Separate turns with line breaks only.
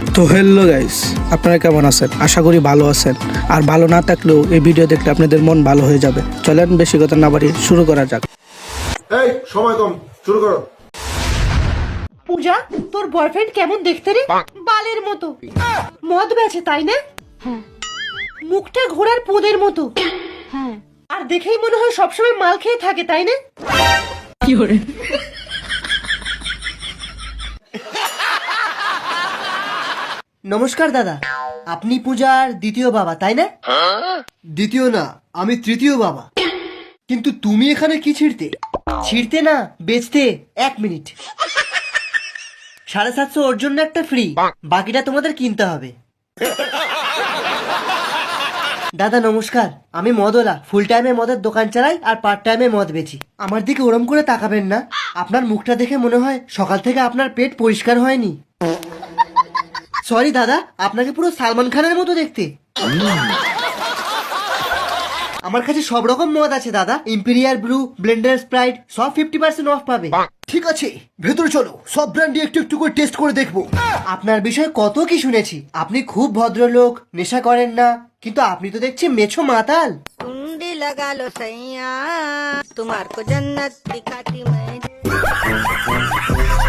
তো hello guys, আপনারা কেমন আছেন? আশা করি ভালো আছেন। আর ভালো না থাকলেও এই ভিডিও দেখলে আপনাদের মন ভালো হয়ে যাবে। চলেন বেশি কথা না বাড়িয়ে শুরু করা যাক।
এই সময় কম, শুরু করো।
পূজা, তোর বয়ফ্রেন্ড কেমন দেখতে রে? বালের মতো। মদ বেচে তাই না?
হ্যাঁ
মুখটা ঘোড়ার পোদের মতো।
হ্যাঁ
আর দেখেই মনে হয় সবসময় মাল খেয়ে থাকে তাই না? নমস্কার দাদা, আপনি পূজার দ্বিতীয় বাবা তাই না? দ্বিতীয় না, আমি তৃতীয় বাবা। কিন্তু তুমি এখানে কি ছিড়তে? ছিড়তে না, বেচতে। 1 মিনিট। 750 ওর জন্য একটা ফ্রি, বাকিটা তোমাদের কিনতে হবে। দাদা নমস্কার, আমি মদওয়ালা, ফুল টাইমে মদের দোকান চালাই আর পার্ট টাইমে মদ বেচি। আমার দিকে ওরম করে তাকাবেন না, আপনার মুখটা দেখে মনে হয় সকাল থেকে আপনার পেট পরিষ্কার হয়নি। সরি দাদা, আপনাকে পুরো সালমান খানের মতো দেখতে। আমার কাছে সব রকম মদ আছে দাদা, ইম্পেরিয়াল ব্লু, ব্লেন্ডার, স্প্রাইট, সব 50% অফ পাবে। ঠিক আছে, ভেতরে চলো, সব ব্র্যান্ডই একটু একটু করে টেস্ট করে দেখবো। আপনার বিষয়ে কত কি শুনেছি, আপনি খুব ভদ্রলোক, নেশা করেন না, কিন্তু আপনি তো দেখছি মেছো মাতাল।
कुंडी लगा लो सैया, तुम्हार को जन्नत दिखाती मैं।